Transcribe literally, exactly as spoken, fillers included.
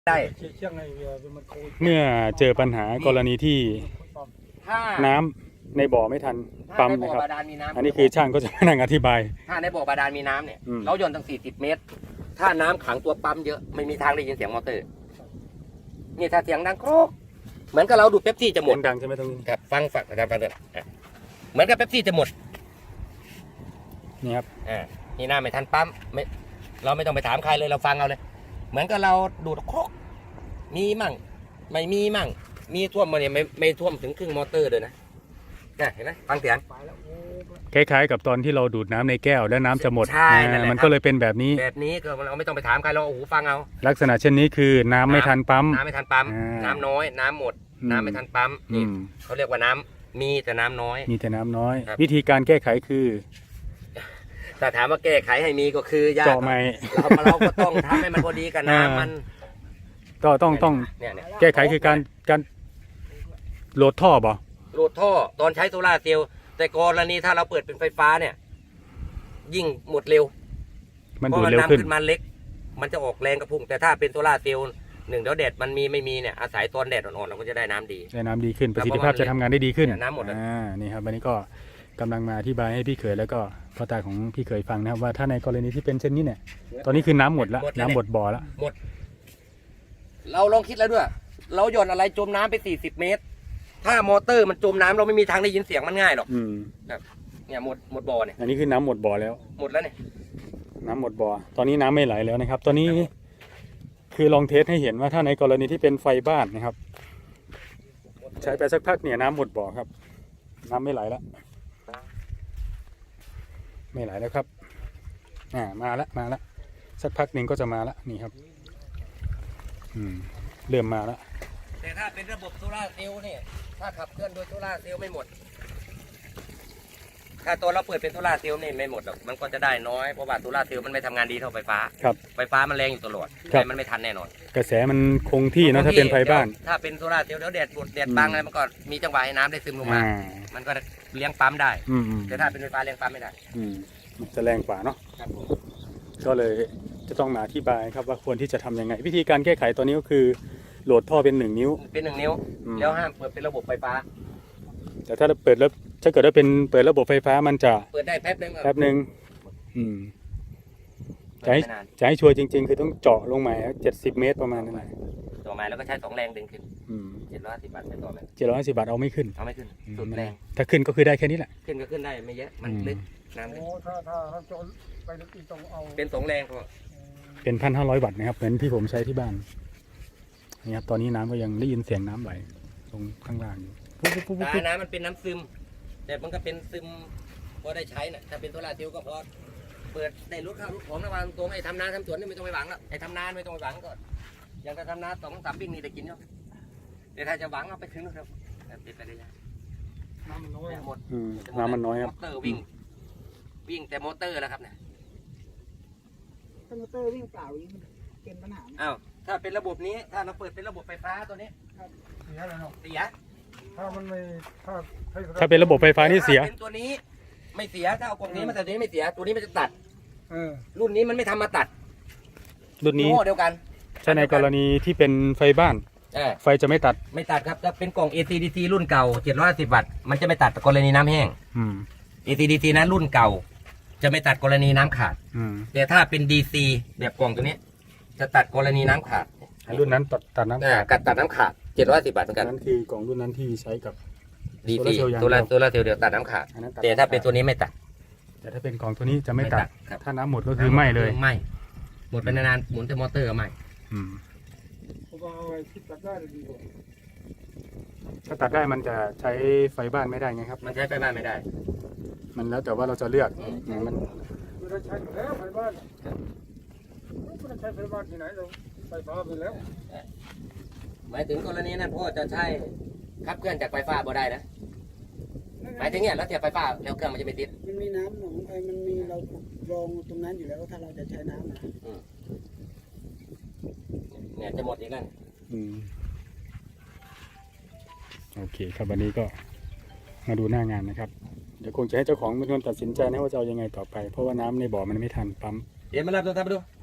ได้เมื่อเจอปัญหากรณีที่น้ำในบ่อไม่ทันปั๊มนะครับอันนี้คือช่างก็จะมานั่งอธิบายถ้าในบ่อบาดาลมีน้ำเนี่ยเราโยนตั้งสี่สิบเมตรถ้าน้ำขังตัวปั๊มเยอะไม่มีทางได้ยินเสียงมอเตอร์นี่ถ้าเสียงดังโครกเหมือนกับเราดูเป๊ปซี่จะหมดดังใช่ไหมตรงนี้ครับฟังฝักนะครับฟังเถอะเหมือนกับเป๊ปซี่จะหมดนี่ครับอ่านี่น้ำไม่ทันปั๊มไม่เราไม่ต้องไปถามใครเลยเราฟังเอาเลยเหมือนกับเราดูดโครกมีมั่งไม่มีมั่งมีท่วมมาเนี่ยไม่ไม่ท่วมถึงครึ่งมอเตอร์เลยนะเห็นไหมฟังเสียงคล้ายๆกับตอนที่เราดูดน้ำในแก้วแล้วน้ำจะหมดใช่มันก็เลยเป็นแบบนี้แบบนี้ก็เราไม่ต้องไปถามใครเราโอ้โหฟังเอาลักษณะเช่นนี้คือน้ำไม่ทันปั๊มน้ำไม่ทันปั๊มน้ำน้อยน้ำหมดน้ำไม่ทันปั๊มนี่เขาเรียกว่าน้ำมีแต่น้ำน้อยมีแต่น้ำน้อยวิธีการแก้ไขคือแต่ถามว่าแก้ไขให้มีก็คือยากเจาะใหม่เราเราก็ต้องทำให้มันพอดีกับน้ำมันก็ต้องต้องแก้ไขคือการการโหลดท่อบ่โหลดท่อตอนใช้โซล่าเซลล์แต่กรณีถ้าเราเปิดเป็นไฟฟ้าเนี่ยยิ่งหมดเร็วมันดูดเร็วขึ้นมันเล็กมันจะออกแรงกระพุ่งแต่ถ้าเป็นโซล่าเซลล์หนึ่งเดี๋ยวแดดมันมีไม่มีเนี่ยอาศัยตอนแดดอ่อนๆเราก็จะได้น้ำดีได้น้ำดีขึ้นประสิทธิภาพจะทำงานได้ดีขึ้นน้ำหมดอ่านี่ครับวันนี้ก็กำลังมาอธิบายให้พี่เขยแล้วก็พ่อตาของพี่เขยฟังนะครับว่าถ้าในกรณีที่เป็นเช่นนี้เนี่ยตอนนี้คือน้ำหมดแล้วน้ำหมดบ่อแล้วหมดเราลองคิดแล้วด้วยเราหย่อนอะไรจมน้ำไปสี่สิบเมตรถ้ามอเตอร์มันจมน้ำเราไม่มีทางได้ยินเสียงมันง่ายหรอกแบบเนี่ยหมดหมดบ่อเนี่ยอันนี้คือน้ำหมดบ่อแล้วหมดแล้วเนี่ยน้ำหมดบ่อตอนนี้น้ำไม่ไหลแล้วนะครับตอนนี้คือลองเทสให้เห็นว่าถ้าในกรณีที่เป็นไฟบ้านนะครับใช้ไปสักพักเนี่ยน้ำหมดบ่อครับน้ำไม่ไหลแล้วไม่ไหลแล้วครับอ่ามาแล้วมาแล้วสักพักหนึ่งก็จะมาแล้วนี่ครับอืมเริ่มมาแล้วแต่ถ้าเป็นระบบโซล่าเซลล์เนี่ยถ้าขับเคลื่อนโดยโซล่าเซลล์ไม่หมดถ้าตัวเราเปิดเป็นโซล่าเซลล์นี่ไม่หมดหรอกมันก็จะได้น้อยเพราะว่าโซล่าเซลล์มันไม่ทำงานดีเท่าไฟฟ้าครับไฟฟ้ามันแรงอยู่ตลอดแต่มันไม่ทันแน่นอนกระแสมันคงที่นะถ้าเป็นไฟบ้านถ้าเป็นโซล่าเซลล์แล้วแดดบดแดดบังอะไรมันก็มีจังหวะให้น้ำได้ซึมลงมามันก็เลี้ยงปั๊มได้แต่ถ้าเป็นไฟฟ้าเลี้ยงปั๊มไม่ได้มันจะแรงกว่าเนาะก็เลยจะต้องมาอธิบายครับว่าควรที่จะทำยังไงวิธีการแก้ไขตัวนี้ก็คือโหลดท่อเป็นหนึ่งนิ้วเป็นหนึ่งนิ้วแล้วห้ามเปิดเป็นระบบไฟฟ้าแต่ถ้าเปิดแล้วถ้าเกิดว่าเป็นเปิดระบบไฟฟ้ามันจะเปิดได้แป๊บนึงแป๊บนึงอืมจะให้จะให้ชัวร์จริงๆคือต้องเจาะลงมาเจ็ดสิบเมตรประมาณนั้นแหละต่อมาแล้วก็ใช้สองแรงดึงขึ้นเจ็ดร้อยสิบบาทใช้ต่อไหมเจ็ดร้อยสิบบาทเอาไม่ขึ้นเอาไม่ขึ้นสุดแรงถ้าขึ้นก็คือได้แค่นี้แหละขึ้นก็ขึ้นได้ไม่เยอะมันลึกน้ำลึกถ้าถ้าถ้าจนไปลึกต้องเอาเป็นสองแรงพอเป็นพันห้าร้อยวัตต์นะครับเหมือนที่ผมใช้ที่บ้านนี่ครับตอนนี้น้ำก็ยังได้ยินเสียงน้ำไหลตรงข้างล่างอยู่แต่น้ำมันเป็นน้ำซึมแต่มันก็เป็นซึมพอได้ใช้น่ะถ้าเป็นโซล่าเซลล์ก็พอเปิดในรถข้าวรถของระหว่างตัวไอ้ทำนาทำสวนนี่ไม่ต้องไปหวังแล้วไอ้ทำนาไม่ต้องไปหวังก่อนอย่างถ้าทำนาสองสามปิ้งนี่ได้กินเนาะแต่ถ้าจะหวังเอาไปถึงนะครับติดไปได้ยังน้ำมันน้อยหมดน้ำมันน้อยครับมอเตอร์วิ่งวิ่งแต่มอเตอร์แล้วครับเนี่ยถ้ามอเตอร์วิ่งเปล่าอย่างนี้มันเป็นปัญหาอ้าวถ้าเป็นระบบนี้ถ้าเราเปิดเป็นระบบไฟฟ้าตัวนี้เสียแล้วเนาะเสียถ้ามันไม่ถ้าถ้าเป็นระบบไฟฟ้านี่เสียเป็นตัวนี้ไม่เสียถ้าเอากล่องนี้มาแต่ตัวนี้ไม่เสียตัวนี้มันจะตัดรุ่นนี้มันไม่ทำมาตัดรุ่นนี้เดียวกันใช่ในกรณีที่เป็นไฟบ้านไฟจะไม่ตัดไม่ตัดครับถ้าเป็นกล่อง เอ ซี ดี ซี รุ่นเก่าเจ็ดร้อยห้าสิบวัตต์มันจะไม่ตัดกรณีน้ำแห้ง เอ ซี ดี ซี นั้นรุ่นเก่าจะไม่ตัดกรณีน้ำขาดแต่ถ้าเป็น ดี ซี แบบกล่องตัวนี้จะตัดกรณีน้ำขาดรุ่นนั้นตัดตัดน้ำขาดกัดตัดน้ำขาดเจ็ดร้อยสิบบาทเหมือนกันนั่นคือกล่องรุ่นนั้นที่ใช้กับดีซีตัวละตัวละเซลล์เดียวตัดน้ำขาดแต่ถ้าเป็นตัวนี้ไม่ตัดแต่ถ้าเป็นกล่องตัวนี้จะไม่ตัดถ้าน้ำหมดก็คือไหม้เลยไหม้หมดไปนานๆหมุนแต่มอเตอร์ก็ไหม้ถ้าตัดได้มันจะใช้ไฟบ้านไม่ได้ไงครับมันใช้ไฟบ้านไม่ได้มันแล้วแต่ว่าเราจะเลือกมันไม่ได้ใช้แล้วไฟบ้านไม่ได้ใช้ไฟบ้านที่ไหนเราไฟฟ้าไปแล้วหมายถึงกรณีนั้นพ่อจะใช้ขับเคลื่อนจากไฟฟ้าบ่ได้นะหมายถึงเนี่ยแล้วเสียบไฟฟ้าแล้วเครื่องมันจะไม่ติดมันมีน้ำหนองไอ้มันมีเรารองตรงนั้นอยู่แล้วถ้าเราจะใช้น้ำนะเนี่ยจะหมดอีกแล้วโอเคครับวันนี้ก็มาดูหน้างานนะครับเดี๋ยวคงจะให้เจ้าของเป็นคนตัดสินใจนะว่าจะเอายังไงต่อไปเพราะว่าน้ำในบ่อมันไม่ทันปั๊มเดี๋ยวมารับตัวท่านไปดู